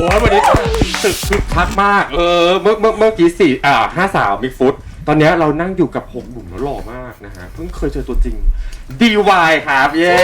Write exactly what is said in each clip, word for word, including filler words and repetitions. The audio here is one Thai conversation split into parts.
วันนี้ตึกคึกคักมากเออเมื่อเมื่อเมื่อกี้สี่อ่าห้าสาวมิกฟุตตอนนี้เรานั่งอยู่กับหกหนุ่มแล้วหล่อมากนะฮะเพิ่งเคยเจอตัวจริง ดี วาย ครับเย้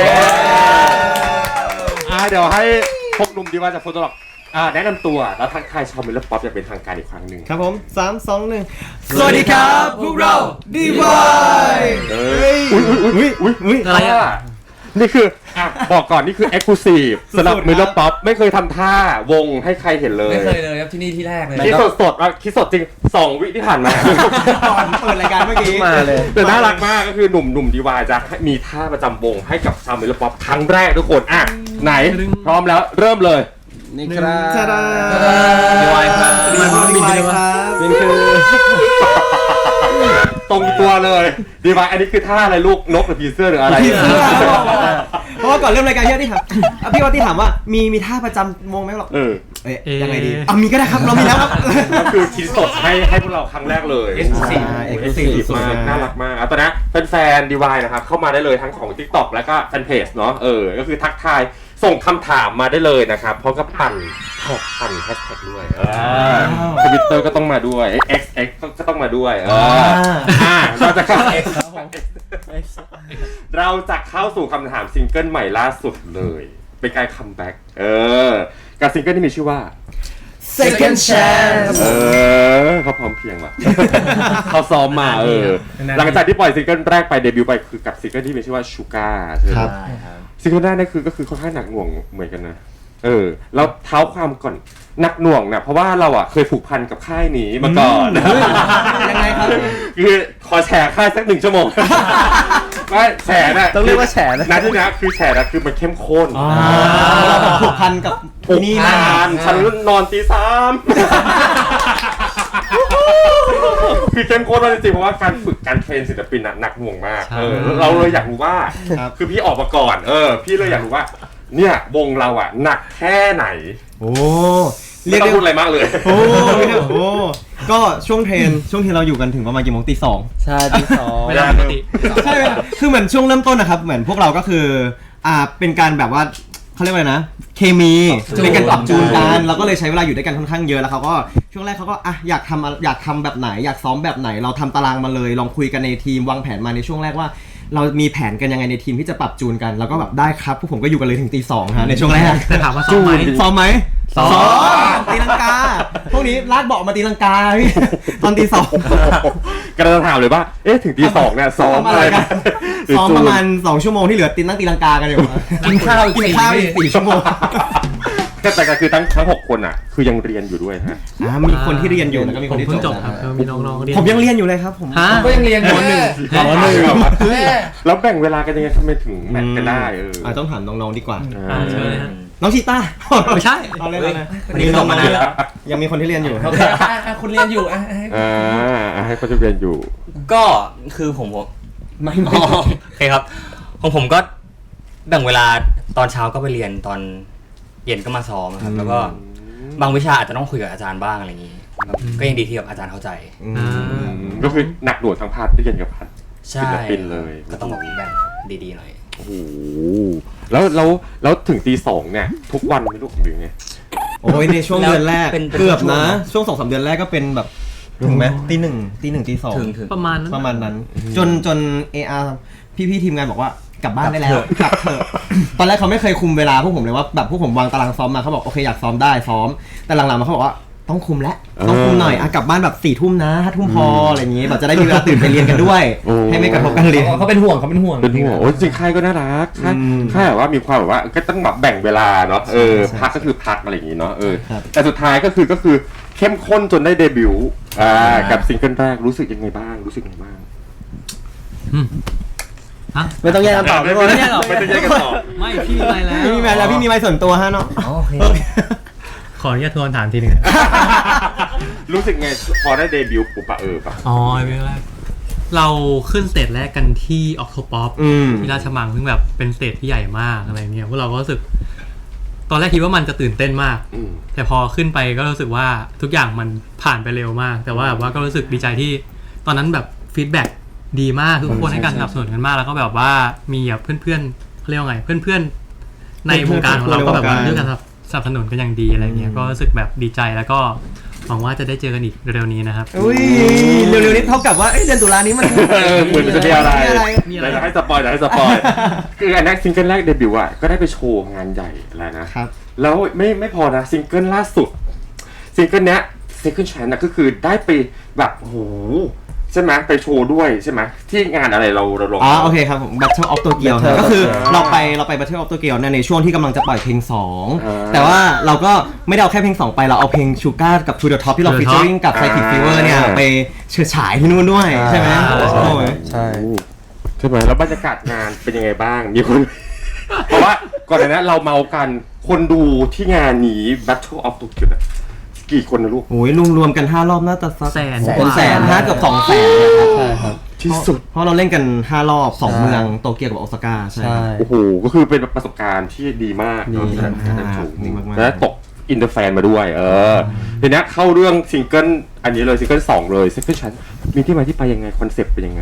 อ่าเดี๋ยวให้หกหนุ่ม ดี วาย จากโฟโตล็อกอ่าแนะนำตัวแล้วทักทายชาวมิลเลอร์ป๊อปอย่างเป็นทางการอีกครั้งหนึ่งครับผมสาม สอง หนึ่งสวัสดีครับพวกเรา ดี วายเอ้ยอุ้ยอุ้ยอุ้ยอุ้ยอะไรอ่ะนี่คืออ่ะบอกก่อนนี่คือ Exclusive สำหรับมิลเลอร์ป๊อปไม่เคยทำท่าวงให้ใครเห็นเลยไม่เคยเลยครับที่นี่ที่แรกเลยคิดสดสดอ่ะคิดสดจริงสองวิที่ผ่านมาก่อนเปิดรายการเมื่อกี้มาเลยแต่น่ารักมากก็คือหนุ่มหนุ่มดีวายจะมีท่าประจำวงให้กับชาวมิลเลอร์ป๊อปครั้งแรกทุกคนอ่ะไหนพร้อมแล้วเริ่มเลยนี่ครับดีวายครับดีวายครับเป็นคือตรงตัวเลยดีวายอันนี้คือท่าอะไรลูกนกหรือผีเสื้อหรืออะไรผีเสื้อเพราะว่าก่อนเริ่มรายการพี่ที่ถามพี่ว่าที่ถามว่ามีมีท่าประจำวงไหมหรอเออเอ๊ะยังไงดีอ่ะมีก็ได้ครับเรามีแล้วครับก็คือคิดสดให้ให้พวกเราครั้งแรกเลยเอ็กซ์คลูซีฟเอ็กซ์คลูซีฟมากน่ารักมากตอนนี้แฟนๆดีวายนะครับเข้ามาได้เลยทั้งของ TikTok แล้วก็แฟนเพจเนาะเออก็คือทักทายส่งคำถามมาได้เลยนะครับเพราะก็ปั่นแท็กปั่นแฮชแท็กด้วยทวิตเตอร์ก็ต้องมาด้วย X X ก็ต้องมาด้วยเอออ่าเราจะเข้า X เราจะเข้าสู่คำถามซิงเกิลใหม่ล่าสุดเลยเป็นการคัมแบ็กเออกับซิงเกิลที่มีชื่อว่า Second Chance เออเขาพร้อมเพียงว่ะ เขาซ้อมมาเออหลังจากที่ปล่อยซิงเกิลแรกไปเดบิวต์ไปคือกับซิงเกิลที่มีชื่อว่าชูการ์ใช่ไหมซิงเกิลแรกนี่คือก็คือค่อนข้างหนักหน่วงเหมือนกันนะเออแล้วเท้าความก่อนหนักหน่วงนะเพราะว่าเราอ่ะเคยผูกพันกับค่ายนี้มาก่อนยังไงครับคือขอแชร์ค่ายสักหนึ่งชั่วโมงไม่แฉน่ะต้องเรียกว่าแฉนะนะที่นี้คือแฉนะคือมันเข้มข้นเราผูกพันกับนี่นานฉันนอนตีสามคือเข้มข้นมากจริงๆเพราะว่าการฝึกการเทรนศิลปินหนักหน่วงมากเออเราเลยอยากรู้ว่าคือพี่ออกมาก่อนเออพี่เลยอยากรู้ว่าเนี่ยวงเราอ่ะหนักแค่ไหนโอ้เรียกพูดอะไรมากเลยโอ้โหก็ช่วงเทรนช่วงที่เราอยู่กันถึงประมาณกี่โมงตีสองใช่ตีสองเวลาปกติใช่คือเหมือนช่วงเริ่มต้นนะครับเหมือนพวกเราก็คืออ่าเป็นการแบบว่าเขาเรียกว่าอะไรนะเคมีเป็นการปรับจูนกันเราก็เลยใช้เวลาอยู่ด้วยกันค่อนข้างเยอะแล้วเขาก็ช่วงแรกเขาก็อ่ะอยากทำอยากทำแบบไหนอยากซ้อมแบบไหนเราทำตารางมาเลยลองคุยกันในทีมวางแผนมาในช่วงแรกว่าเรามีแผนกันยังไงในทีมที่จะปรับจูนกันแล้วก็แบบได้ครับพวกผมก็อยู่กันเลยถึงตีสองฮะในช่วงแรกแต่ถามว่าซ้อมไหมซ้อมไหมซ้อมตีลังกาพวกนี้ลากเบาะมาตีลังกาพี่ตอนตีสองกำลังถามเลยว่าเอ๊ะถึงตีสองเนี่ยซ้อมอะไรกันซ้อมประมาณสองชั่วโมงที่เหลือตีนั่งตีลังกากันอยู่กินข้าวกินข้าวอีกสี่ชั่วโมงแต่ก็คือทั้งทั้งหกคนอ่ะคือยังเรียนอยู่ด้วยฮะมีคนที่เรียนอยู่แล้วก็มีคนที่จบครับมีน้องๆเรียนผมยังเรียนอยู่เลยครับผมก็ยังเรียนอยู่หนึ่งหนึ่งแล้วแบ่งเวลากันยังไงทำไมถึงแมทกันได้เออต้องถามน้องๆดีกว่าน้องชีต้าไม่ใช่เอาเลยนะวันนี้น้องมานานแล้วยังมีคนที่เรียนอยู่โอเคคุณเรียนอยู่อ่ะอ่าให้คนที่เรียนอยู่ก็คือผมไม่ไม่โอเคครับของผมก็แบ่งเวลาตอนเช้าก็ไปเรียนตอนเย็นก็มาซ้อมครับแล้วก็บางวิชาอาจจะต้องคุยกับอาจารย์บ้างอะไรอย่างนี้ก็ยังดีที่แบบอาจารย์เข้าใจก็คือหนักหน่วงทั้งพาร์ทที่เรียนกับพาร์ทศิลปินเลยก็ต้องแบบแบ่งดีๆหน่อยโอ้โหแล้วแล้วแล้วถึงตีสองเนี่ยทุกวันไม่รู้หรือไงโอ้ยในช่วงเดือนแรกเกือบนะช่วงสองสามเดือนแรกก็เป็นแบบถึงไหมตีหนึ่งตีหนึ่งตีสองประมาณประมาณนั้นจนจนเออาร์พี่ๆทีมงานบอกว่ากลับบ้านได้แล้วกลับเถอะตอนแรกเขาไม่เคยคุมเวลาพวกผมเลยว่าแบบพวกผมวางตารางซ้อมมาเขาบอกโอเคอยากซ้อมได้ซ้อมแต่หลังๆมาเขาบอกว่าต้องคุมแล้วต้องคุมหน่อยอ่ะกลับบ้านแบบสี่ทุ่มนะห้าทุ่มพออะไรอย่างงี้แบบจะได้มีเวลาตื่นไปเรียนกันด้วยให้ไม่กระทบการเรียนเขาเป็นห่วงเขาเป็นห่วงเป็นห่วงโอ้จริงค่ายก็น่ารักค่ายค่ายแบบว่ามีความแบบว่าก็ต้องแบบแบ่งเวลาเนาะเออพักก็คือพักอะไรอย่างงี้เนาะเออแต่สุดท้ายก็คือก็คือเข้มข้นจนได้เดบิวต์อ่ากับซิงเกิลแรกรู้สึกยังไงบ้างรู้สึกยังไงบ้างไม่ต้องแยกกันตอบไม่ต้องแยกหรอกไม่ต้องแยกกันตอบไม่พี่มีไมค์แล้วพี่มีไมค์แล้วพี่มีไมค์ส่วนตัวฮะเนาะโอเคขออนุญาตทวนถามทีนึงรู้สึกไงพอได้เดบิวต์ปุ๊บอะเออป่ะอ๋อเรื่องแรกเราขึ้นสเตจแรกกันที่ออกโทป๊อปที่ราชมังซึ่งแบบเป็นสเตจที่ใหญ่มากอะไรเงี้ยพวกเราก็รู้สึกตอนแรกคิดว่ามันจะตื่นเต้นมากแต่พอขึ้นไปก็รู้สึกว่าทุกอย่างมันผ่านไปเร็วมากแต่ว่าแบบว่าก็รู้สึกดีใจที่ตอนนั้นแบบฟีดแบ็กดีมากทุกคนให้การสนับสนุนกันมากแล้วก็แบบว่ามีแบบเพื่อนๆเขาเรียกว่าไงเพื่อนๆในวงการของเราก็แบบว่าเรื่องการสนับสนุนกันอย่างดีอะไรเงี้ยก็รู้สึกแบบดีใจแล้วก็หวังว่าจะได้เจอกันอีกเร็วๆนี้นะครับอุ้ยเร็วๆนี้เท่ากับว่าเอ้ยเดือนตุลานี้มันเออเหมือนจะมีอะไรมีอะไรเดี๋ยวจะให้สปอยเดี๋ยวให้สปอยคืออันนั้นซิงเกิลแรกเดบิวต์อ่ะก็ได้ไปโชว์งานใหญ่แล้วนะครับ แล้วไม่ไม่พอนะซิงเกิลล่าสุดซิงเกิลเนี้ย Second Chance นะก็คือได้ไปแบบโอ้โหใช่ไหมไปโชว์ด้วยใช่ไหมที่งานอะไรเราเราลงอ๋อโอเคครับผม Battle of Tokyo ครับ Battle ก็คืออ่าเราไปเราไป Battle of Tokyo เนี่ยในช่วงที่กำลังจะปล่อยเพลงสองอ่าแต่ว่าเราก็ไม่ได้เอาแค่เพลงสองไปเราเอาเพลง Sugar กับ To the Top ที่เรา To the Top featuring กับ Psychic อ่า Fever เนี่ยไปเฉิดฉายที่นู่นด้วยใช่ไหมใช่โอ้ยใช่ใช่ไหมแล้วบรรยากาศงานเป็นยังไงบ้างมีคน เพราะว่าก่อนหน้านั้นเราเมากันคนดูที่งานนี้ Battle of Tokyo อะกี่คนนะลูกโอ้ยรวมๆกันห้ารอบน่าจะสักแสนเป็นแสนห้าเกือบสองแสนเนี่ยครับใช่ครับที่สุดเพราะเราเล่นกันห้ารอบสองใช่เมืองโตเกียวกับโอซาก้าใช่ใช่โอ้โหก็คือเป็นประสบการณ์ที่ดีมากดีเนอะมากดีมากๆและตกอินเตอร์แฟนมาด้วย เออทีนี้เข้าเรื่องซิงเกิลอันนี้เลยซิงเกิลสองเลยซิงเกิลชั้นมีที่มาที่ไปยังไงคอนเซปต์เป็นยังไง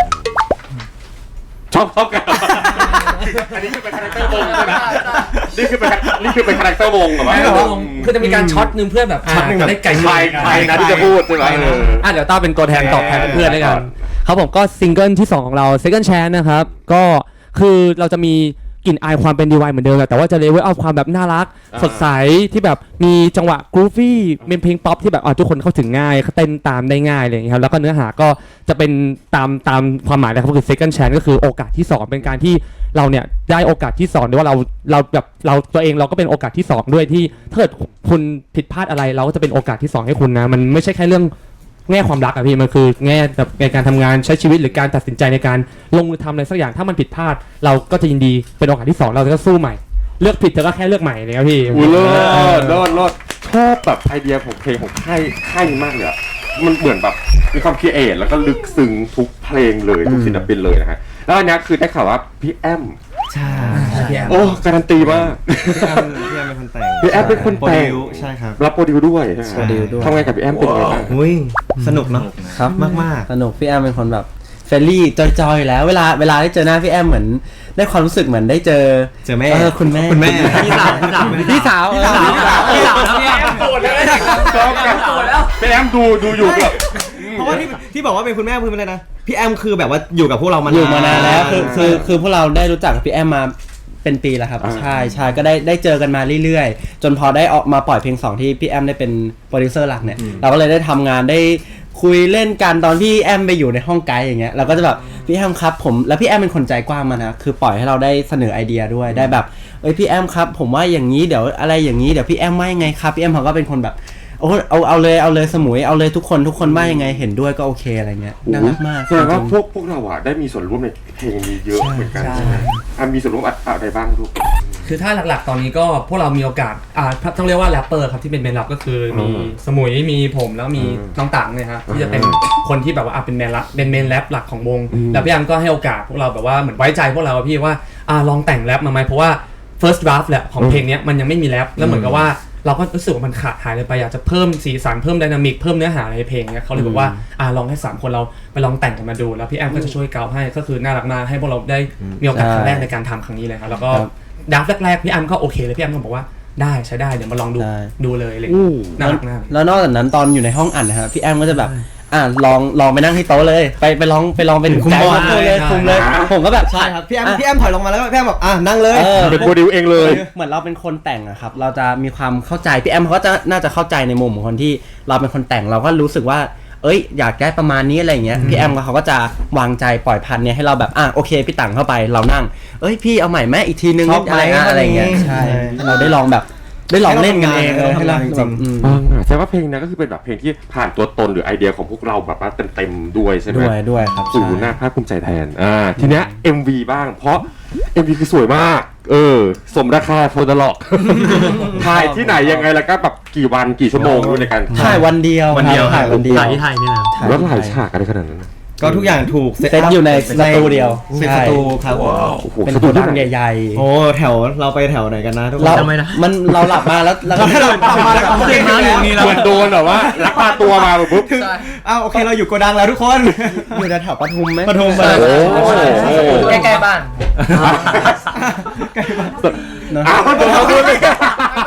ชอบชอบกัน อันนี้คือเป็นคาแรคเตอร์วงใช่ไหมนี่คือเป็นนี่คือเป็นคาแรคเตอร์วงเหรอวะไม่หรอกคือจะมีการช็อตหนึ่งเพื่อแบบช็อตหนึ่งแบบได้ไก่ใครใครนะที่จะพูดใช่ไหมเอออ่ะเดี๋ยวต้าเป็นตัวแทนตอบแทนเพื่อนด้วยกันก่อนครับผมก็ซิงเกิลที่สองของเรา Second Chance นะครับ ก็คือเราจะมีกลิ่นอายความเป็น ดี วาย เหมือนเดิมแหละแต่ว่าจะเลเวลเอาความแบบน่ารักอ่าสดใสที่แบบมีจังหวะกรูฟี่เป็นเพลงป๊อปที่แบบอ่ะทุกคนเข้าถึงง่ายเต้นตามได้ง่ายอะไรอย่างเงี้ยครับแล้วก็เนื้อหาก็จะเป็นตามตามความหมายนะครับก็คือ Second Chance ก็คือโอกาสที่สองเป็นการที่เราเนี่ยได้โอกาสที่สองหรือว่าเราเราแบบเราตัวเองเราก็เป็นโอกาสที่สองด้วยที่ถ้าเกิดคุณผิดพลาดอะไรเราก็จะเป็นโอกาสที่สองให้คุณนะมันไม่ใช่แค่เรื่องแง่ความรักอะพี่มันคือแง่แบบในการทำงานใช้ชีวิตหรือการตัดสินใจในการลงมือทำอะไรสักอย่างถ้ามันผิดพลาด เราก็จะยินดีเป็นโอกาสที่สองเราจะสู้ใหม่ เลือกผิดเธอก็แค่เลือกใหม่เลยครับพี่อุ้ยเลิศเลิศเลิศชอบแบบไอเดียของเพลงของค่ายค่ายนี้มากเลยอะมันเหมือนแบบมีความคิดเอทแล้วก็ลึกซึ้งทุกเพลงเลยทุกศิลปินเลยนะฮะแล้วอันนี้คือได้ข่าวว่าพี่แอมใช่โอ้การันตีมากพี่แอมพี่แอมเป็นคนแต่งพี่แอมเป็นคนแต่งโปรดิวใช่ครับรับโปรดิวด้วยใช่ไหมโปรดิวด้วยทำงานกับพี่แอมเป็นยังไงบ้างอุ้ยสนุกเนาะครับมากมากสนุกพี่แอมเป็นคนแบบเฟรนลี่จอยๆอยู่แล้วเวลาเวลาได้เจอหน้าพี่แอมเหมือนได้ความรู้สึกเหมือนได้เจอเจอแม่เออคุณแม่คุณแม่พี่สาวพี่สาวพี่สาวเออพี่สาวพี่สาวแล้วเนี่ยชอบกันพี่แอมดูดูอยู่แบบเพราะว่าที่ที่บอกว่าเป็นคุณแม่คือเป็นอะไรนะพี่แอมคือแบบว่าอยู่กับพวกเรามานานอยู่มานานแล้วคือคือคือพวกเราได้รู้จักกับพี่แอมมาเป็นปีแล้วครับอ่าใช่ใช่ก็ได้ได้เจอกันมาเรื่อยๆ จนพอได้ออกมาปล่อยเพลงสองที่พี่แอมได้เป็นโปรดิวเซอร์หลักเนี่ยเราก็เลยได้ทำงานได้คุยเล่นกันตอนพี่แอมไปอยู่ในห้องไกด์อย่างเงี้ยเราก็จะแบบพี่แอมครับผมแล้วพี่แอมเป็นคนใจกว้างมานะคือปล่อยให้เราได้เสนอไอเดียด้วยได้แบบเอ้ยพี่แอมครับผมว่าอย่างนี้เดี๋ยวอะไรอย่างนี้เดี๋ยวพี่แอมว่ายังไงครับพี่แอมเขาก็เป็นคนแบบโอ้เอาเอาเลยเอาเลยสมุยเอาเลยทุกคนทุกคนว่ายังไงเห็นด้วยก็โอเคอะไรเงี้ยน่ารักมากแสดงว่าพวกพวกเราอ่ะได้มีส่วนร่วมในเพลงนี้เยอะเหมือนกันใช่ใช่ไหมอ่ะมีส่วนร่วมอะไรบ้างลูกคือถ้าหลักๆ ตอนนี้ก็พวกเรามีโอกาสอ่าต้องเรียกว่าแรปเปอร์ครับที่เป็นเมนรับก็คือมีอืมสมุยมีผมแล้วมีอืมน้องตังเนี่ยครับที่จะเป็นอืมคนที่แบบว่าอ่ะเป็นแมนรับเป็นเมนแรปหลักของวงอืมแล้วพี่แอมก็ให้โอกาสพวกเราแบบว่าเหมือนไว้ใจพวกเราอะพี่ว่าอ่าลองแต่งแรปมาไหมเพราะว่า first draft แหละของเพลงเนี้ยมันยังไม่มีแรปแล้วเหมือนกับว่าเราก็รู้สึกว่ามันขาดหายเลยไปอยากจะเพิ่มสีสันเพิ่มไดนามิกเพิ่มเนื้อหาในเพลงเนี้ยเขาเลยบอกว่าอ่าลองให้สามคนเราไปลองแต่งกันมาดูแล้วพี่แอมก็จะช่วยเกาให้ก็คือน่ารักมากให้พวกเราได้มีโอกาสครั้งแรกในการทำครั้งนี้เลยครับแล้วก็ครับดับแรกๆพี่แอมก็โอเคเลยพี่แอมก็บอกว่าได้ใช้ได้เดี๋ยวมาลองดูใช่ดูเลยเลยอู้น่ารักมากแล้วนอกจากนั้นตอนอยู่ในห้องอัดนะครับพี่แอมก็จะแบบอ่ะลองลองไปนั่งที่โต๊ะเลย ไปไปลองไปลองไปถึงคุมใจบอลเขาเลยใช่คุมเลยใช่ผมก็แบบใช่ครับพี่แอมะพี่แอมถอยลงมาแล้วก็พี่แอมแบบอ่ะนั่งเลยเออเป็นโปรดิวเองเลยเหมือนเราเป็นคนแต่งอะครับเราจะมีความเข้าใจพี่แอมเขาก็จะน่าจะเข้าใจในมุมของคนที่เราเป็นคนแต่งเราก็รู้สึกว่า เอ้ยอยากได้ประมาณนี้อะไรอย่างเงี้ยพี่แอมเขาก็จะวางใจปล่อยพันเนี่ยให้เราแบบอ่ะโอเคพี่ตังเข้าไปเรานั่งเอ้ยพี่เอาใหม่แม่อีกทีนึงชอบไหมอะไรนะอะไรอย่างเงี้ยอะไรอย่างงี้ใช่ใช่ให้เราได้ลองแบบได้ลองเล่นกันเองให้เราทำงานให้จริงๆอืมอ่าแสดงว่าเพลงนี้ก็คือเป็นแบบเพลงที่ผ่านตัวตนหรือไอเดียของพวกเราแบบว่าเต็มๆด้วยใช่ไหมด้วยด้วยครับสู่ใช่หน้าภาคภูมิใจแทนอ่าทีเนี้ย เอ็ม วี บ้างเพราะ เอ็ม วี คือสวยมาก เออ สมราคาโฟดล็อกถ่ายที่ไหนยังไงแล้วก็แบบกี่วันกี่ชั่วโมงด้วยในการถ่ายวันเดียววันเดียวครับถ่ายวันเดียวถ่ายที่ไทยนี่นะถ่ายแล้วหลายฉากอะไรขนาดนั้นนะก็ทุกอย่างถูกเซตอยู่ในสตูเดียวเซตใช่สตูครับโอ้โหเป็นสโปตูรดิดัโอกใหญ่โอ้แถวเราไปแถวไหนกันนะทุกๆคนเราจำไม่ได้มันเราหลับมาแล้วแล้วเราหลับมาแล้วก็เดินมาอย่างนี้แล้วเหมือนโดนแบบว่าลักพาตัวมาแบบปุ๊บถึงอ้าวโอเคเราอยู่โกดังแล้วทุกคนอยู่แถวปทุมไหมปทุมใช่โอ้โหใกล้ๆบ้านอ้าวเดี๋ยวเราดูเลย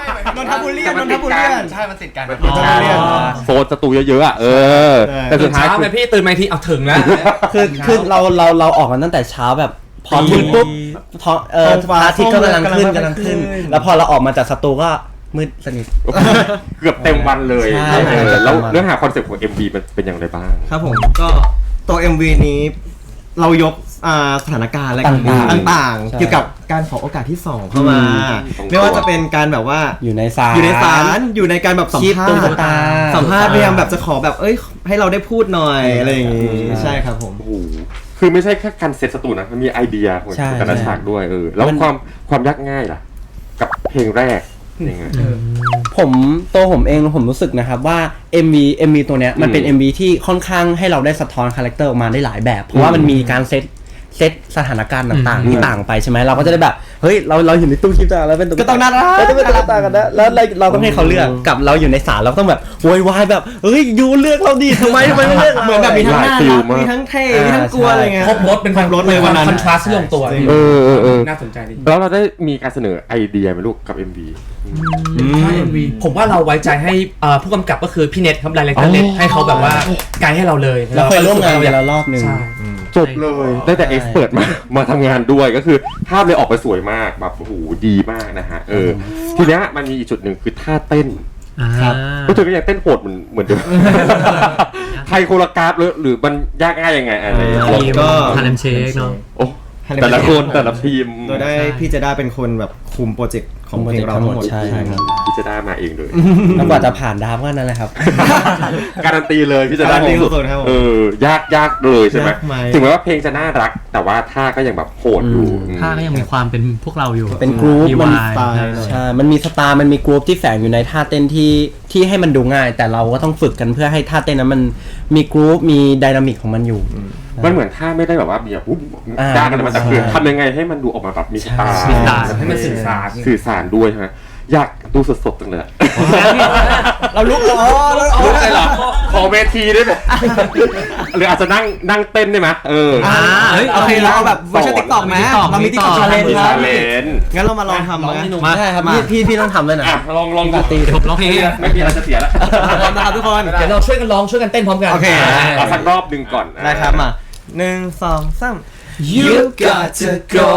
นทบุรีแต่นมันนติทดบุกัรีนใช่มันติดกันมันติดกันอ๋อโซนสตูเยอะๆอ่ะเออ แต่ตื่สุดนท้ายเช้าคือไงพี่ตื่นมาอีกทีเอาถึงแล้วคือคือเราเราเราออกกันตั้งแต่เช้าแบบพอถึงปุ๊บท้องเออพระอาทิตย์ก็กำลังขึ้นกำลังขึ้น แล้วพอเราออกมาจากสตูก็มืดสนิทเกือบเต็มวันเลยใช่เออเกือบเต็มวันแล้วเนื้อหาคอนเซ็ปต์ของ เอ็ม วี มันเป็นอย่างไรบ้างครับผมก็ตัว เอ็ม วี นี้เรายกอ่าสถานการณ์และต่างๆต่างๆใช่เกี่ยวกับการขอโอกาสที่สองเข้ามาอืมไม่ว่าจะเป็นการแบบว่าอยู่ในศาลอยู่ในศาลอยู่ในการแบบสัมคีบภาตุ๊กษณ์ตาสัมภาษณ์พยายามแบบจะขอแบบเอ้ยให้เราได้พูดหน่อยอะไรอย่างงี้ใช่ครับผมโอ้โหคือไม่ใช่แค่การเซตสตูนะ มันมีไอเดียของใช่แต่ละใช่ฉากด้วยเออ แล้วมันความความยากง่ายล่ะ กับเพลงแรกยังไงผมตัวผมเองผมรู้สึกนะครับว่า เอ็ม วี เอ็ม วี ตัวเนี้ยมันเป็นอืมเอ็ม วี ที่ค่อนข้างให้เราได้สะท้อนคาแรคเตอร์ออกมาได้หลายแบบ เพราะว่ามันมีการเซตเซตสถานการณ์ต่างอืมๆที่ต่างไปใช่ไหมเราก็จะได้แบบเฮ้ยเราเราอยู่ในตู้คลิปต่างแล้วเป็นตุ๊ก็ต้องน่ารักเราต้องเป็นตุ๊กตากันนะแล้วเราเราต้องให้เขาเลือกกับเราอยู่ในศาลเราก็ต้องแบบโวยวายแบบเฮ้ยยูเลือกเราดิทำไมทำไมไม่เลือกเราเหมือนแบบมีทั้งน่าหลายฟิลรักมากมีทั้งเท่มีทั้งกลัวอะไรเงี้ยครบรถเป็นครบรถเลยวันนั้นคอนทราสต์ที่ลงตัวเออเออเออน่าสนใจดีแล้วเราได้มีการเสนอไอเดียไหมลูกกับ เอ็ม วีถ้า เอ็ม วี ผมว่าเราไว้ใจให้เอ่อผู้กำกับก็คือพี่เน็ตครับไดเรคเตอร์เน็ตให้เขาแบบว่าไกด์ให้เราเลยเราเคยร่วมงานเกันแล้วรอบหนึ่งใช่จบเลยได้แต่เอ็กซ์เปิดมา มาทำงานด้วยก็คือภาพเลยออกไปสวยมากแบบโอ้โหดีมากนะฮะเออทีเนี้ยมันมีอีกจุดหนึ่งคือท่าเต้นอ่าก็เธอก็ยังเต้นโหดเหมือนเหมือนเดิมไทยโคโรกราฟหรือหรือมันยากง่ายยังไงอะไรอ่าลองก็ฮาเลมเชคเนาะโอ้แต่ละคนแต่ละทีมโดยได้พี่เจะได้เป็นคนแบบคุมโปรเจกต์ของเพลงเราทั้งหมดใช่ครับพี่จะได้มาเองเลยแล้วกว่าจะผ่านดราฟก็นั่นแหละครับการันตีเลยพี่จะได้การันตีสุดๆครับผมเออยากยากเลยใช่ไหมยากไหมถึงแม้ว่าเพลงจะน่ารัก แต่ว่าท่าก็ยังแบบโหดอยู่อืมท่าก็ยังมีความเป็นพวกเราอยู่เป็นกรุ๊ปมีมันวายสไตล์ใช่ มันมีสไตล์มันมีกรุ๊ปที่แฝงอยู่ในท่าเต้นที่ที่ให้มันดูง่าย แต่เราก็ต้องฝึกกันเพื่อให้ท่าเต้นนั้นมันมีกรุ๊ปมีไดนามิกของมันอยู่มันเหมือนท่าไม่ได้แบบว่ามีแบบอุ๊บอ่าด้านกันมาแต่คือใช่ทำยังไงให้มันดูออกมาแบบมีสไตล์มีสไตล์ให้มันสื่อสารสื่อสารด้วยใช่ไหมอยากดูสดๆจังเลยอะเราลุกอ๋อเราอ๋อรู้ได้เหรอขอเวทีได้ไหมหรืออาจจะนั่งนั่งเต้นได้ไหมเอออ่าเฮ้ยโอเคเราเอาแบบเวอร์ชันติ๊กต็อกไหม TikTok เรามีติ๊กต็อกมีชาเลนมีจ์ครัชาบเลนจ์งั้นเรามาลองทำไหมมาใช่ครับมาพี่พี่พี่ต้องทำด้วยนะอ่ะลองลองดูตีเดี๋ยวผมร้องเพลงให้นะไม่มีอะไรจะเสียแล้วพร้อมนะครับทุกคนเดี๋ยวเราช่วยกันร้องช่วยกันเต้นพร้อมกันโอเคเอาสักรอบหนึ่งก่อนได้ครับมาหนึ่งสองสาม You got to go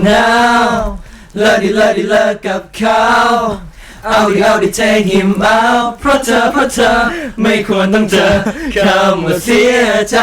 now เลิกดิเลิกดิเลิกกับเขาเอาดิเอาดิ take him out เพราะเธอเพราะเธอไม่ควรต้องเจอคำว่าเสียใจ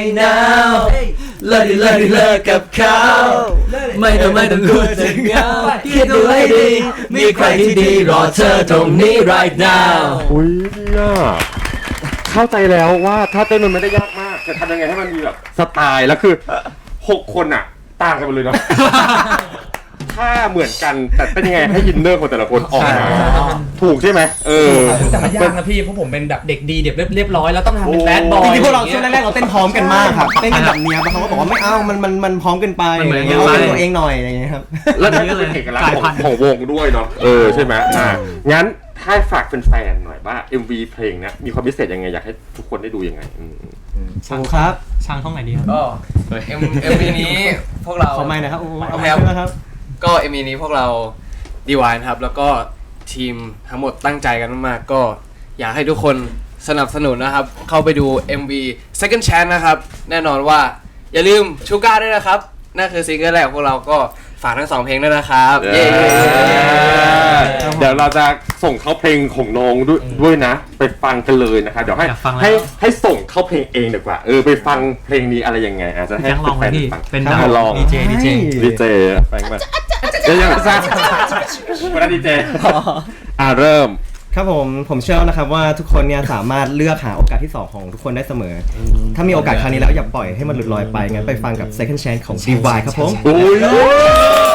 now เลิกดิเลิกดิเลิกกับเขาไม่ต้องไม่ต้องกลัวจะเหงาคิดดูให้ดีมีใครที่ดีรอเธอตรงนี้ right now อุ้ยเนี่ยเข้าใจแล้วว่าถ้าเต้นมันไม่ได้ยากมากแต่ทำยังไงให้มันมีแบบสไตล์แล้วคือหกคนอ่ะต่างกันหมดเลยเนาะถ้าเหมือนกันแต่เป็นยังไงให้อินเนอร์ของแต่ละคนออกมาถูกใช่ไหมเออแต่มันยากนะพี่เพราะผมเป็นแบบเด็กดีเด็กเรียบร้อยแล้วต้องทำเป็นแบดบอยจริงๆพวกเราช่วงแรกๆเราเต้นพร้อมกันมากครับเต้นกันแบบเนี้ยบางเขาก็บอกว่าไม่เอามันมันมันพร้อมเกินไปมันเหมือนอย่างเงี้ยเอาเป็นกันไปตัวเองหน่อยอะไรอย่างเงี้ยครับแล้วนี่ก็เป็นเอกลักษณ์ของของวงด้วยเนาะเออใช่ไหมอ่างั้นถ้าฝากแฟนๆหน่อยว่า เอ็ม วี เพลงเนี้ยมีความพิเศษยังไงอยากให้ทุกคนได้ดูยังไงอืมโอ้ครับช่างท่องไหนดีครับก็เอ็มเอ็มวีนี้พวกเราขอไม่นะครับโอ้เอาโอเคไม่ครับใช่ไหมครับก็เอ็มวีนี้พวกเราดีวายนะครับ แล้วก็ทีมทั้งหมดตั้งใจกันมากๆก็อยากให้ทุกคนสนับสนุนนะครับ เข้าไปดู เอ็ม วี Second Chance นะครับ แน่นอนว่าอย่าลืมชูก้าด้วยนะครับ นั่นคือซิงเกิลแรกของพวกเราก็ฝากทั้งสองเพลงด้วยนะครับ เย้เดี๋ยวเราจะส่งเข้าเพลงของน้องด้วยด้วยนะ ไปฟังกันเลยนะคะเดี๋ยวให้อยากฟังแล้วให้ให้ส่งเข้าเพลงเองดีกว่าเออไปฟังเพลงนี้อะไรยังไงอาจจะให้ยังลองไหมพี่ฟังเป็นอ่ะดาวลองดีเจดีเจดีเจฟังมาเดี๋ยวยังไม่ทราบวันนั้นดีเจอ่ะเริ่มครับผมผมเชื่อนะครับว่าทุกคนเนี่ยสามารถเลือกหาโอกาสที่สองของทุกคนได้เสมอ ถ้ามีโอกาสครั้งนี้แล้วอย่าปล่อยให้มันหลุดลอยไปงั้นไปฟังกับ Second Chance ของ ดี วาย ครับผมโอ้ย